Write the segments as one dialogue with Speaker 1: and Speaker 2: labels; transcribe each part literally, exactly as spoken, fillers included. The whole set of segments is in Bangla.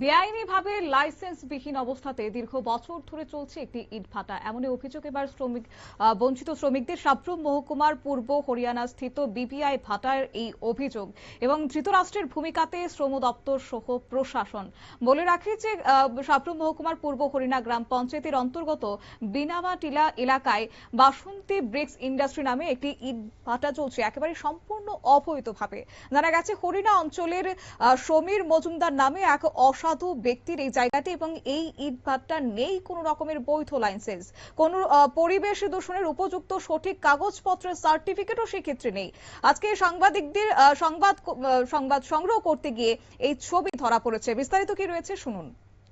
Speaker 1: বেআইনিভাবে লাইসেন্সবিহীন অবস্থাতে দীর্ঘ বছর ধরে চলছে একটি ইটভাটা। এমনই অভিযোগ এবার শ্রমিক বঞ্চিত শ্রমিকদের। সাব্রুম মহকুমার পূর্ব হরিয়ানা স্থিত বিপিআই ভাটার এই অভিযোগ এবং ধৃতরাষ্ট্রের ভূমিকাতে শ্রম দপ্তর সহ প্রশাসন। বলে রাখি যে সাব্রুম মহকুমার পূর্ব হরিয়ানা গ্রাম পঞ্চায়েতের অন্তর্গত বিনামা টিলা এলাকায় বাসন্তী ব্রিক্স ইন্ডাস্ট্রি নামে একটি ইট ভাটা চলছে একেবারে সম্পূর্ণ অবৈধভাবে। জানা গেছে হরিয়ানা অঞ্চলের সমীর মজুমদার নামে এক অসাধু ব্যক্তির এই জায়গাটি এবং এই ইট ভাটা নেই কোন রকমের বৈধ লাইসেন্স, কোন পরিবেশ দূষণের উপযুক্ত সঠিক কাগজপত্রের সার্টিফিকেটও সেক্ষেত্রে নেই। আজকে সাংবাদিকদের সংবাদ সংবাদ সংগ্রহ করতে গিয়ে এই ছবি ধরা পড়েছে। বিস্তারিত কি রয়েছে শুনুন।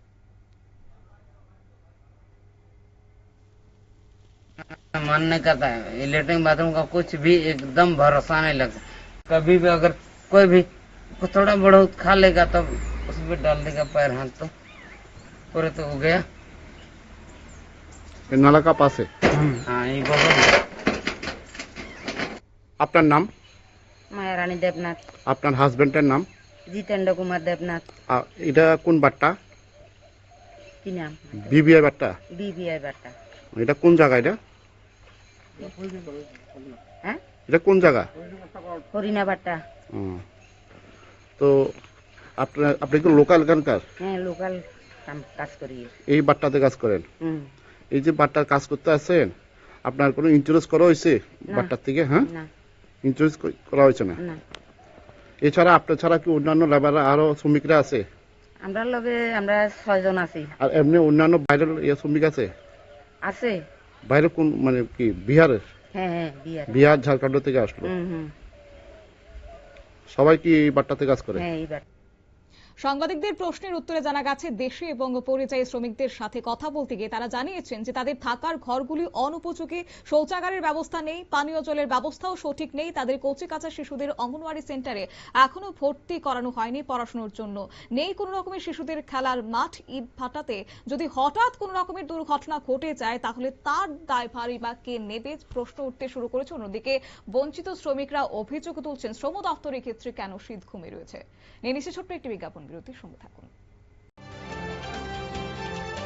Speaker 2: मानने का था लेटरिन बाथरूम का कुछ भी एकदम भरोसा नहीं लगता। कभी भी अगर कोई भी थोड़ा बहुत खा लेगा तब उसमें डाल देगा पैर हाथ तो पूरे तो हो गया।
Speaker 3: नाला का पास है।
Speaker 2: हाँ ये बोलो।
Speaker 3: আপনার নাম?
Speaker 4: মায়া রানী দেবনাথ।
Speaker 3: আপনার হাজবেন্ডের নাম?
Speaker 4: জিতেন্দ্র কুমার দেবনাথ।
Speaker 3: এটা কোন বাট্টা?
Speaker 4: কি নাম?
Speaker 3: বিবিআই বাট্টা।
Speaker 4: বিবিআই বাট্টা।
Speaker 3: এটা কোন জায়গা? এটা
Speaker 4: হ্যাঁ
Speaker 3: এটা কোন জায়গা?
Speaker 4: হরিনা বাট্টা।
Speaker 3: তো আপনার আপনি কি লোকাল এখানকার?
Speaker 4: হ্যাঁ লোকাল কাজ করি।
Speaker 3: এই বাট্টাতে কাজ করেন? এই যে বাট্টার কাজ করতে আছেন আপনার কোনো ইন্স্যুরেন্স করা হয়েছে বাট্টার থেকে? হ্যাঁ ইন্স্যুরেন্স করা হয়েছে না। এছাড়া আপনার ছাড়া কি অন্যান্য লেবার আরো শ্রমিকরা আছে?
Speaker 4: আমরা লগে আমরা ছয়জন আছি।
Speaker 3: আর এমনি অন্যান্য বাইরের শ্রমিক আছে?
Speaker 4: আছে।
Speaker 3: বাইরে কোন মানে কি বিহারের?
Speaker 4: হ্যাঁ হ্যাঁ বিহার।
Speaker 3: বিহার ঝাড়খণ্ড থেকে আসলো। সবাই কি এই বাট্টাতে কাজ করে?
Speaker 4: হ্যাঁ এই বাট্টা।
Speaker 1: সাংবাদিকদের প্রশ্নের উত্তরে জানা গেছে দেশি এবং পরিযায়ী শ্রমিকদের সাথে কথা বলতে গিয়ে তারা জানিয়েছেন যে তাদের থাকার ঘরগুলি অনুপযোগী, শৌচাগারের ব্যবস্থা নেই, পানীয় জলের ব্যবস্থাও সঠিক নেই। তাদের কচি কাঁচা শিশুদের অঙ্গনওয়াড়ি সেন্টারে এখনো ভর্তি করানো হয়নি পড়াশোনার জন্য। নেই কোনো রকমের শিশুদের খেলার মাঠ। ইট ভাটাতে যদি হঠাৎ কোনো রকমের দুর্ঘটনা ঘটে যায় তাহলে তার দায়ভারই বা কে নেবে প্রশ্ন উঠতে শুরু করেছে। অন্যদিকে বঞ্চিত শ্রমিকরা অভিযোগ তুলছেন শ্রম দপ্তরের ক্ষেত্রে কেন শীত ঘুমে রয়েছে। নিয়ে নিচ্ছে ছোট্ট একটি বিজ্ঞাপন বিরতির সঙ্গে থাকুন।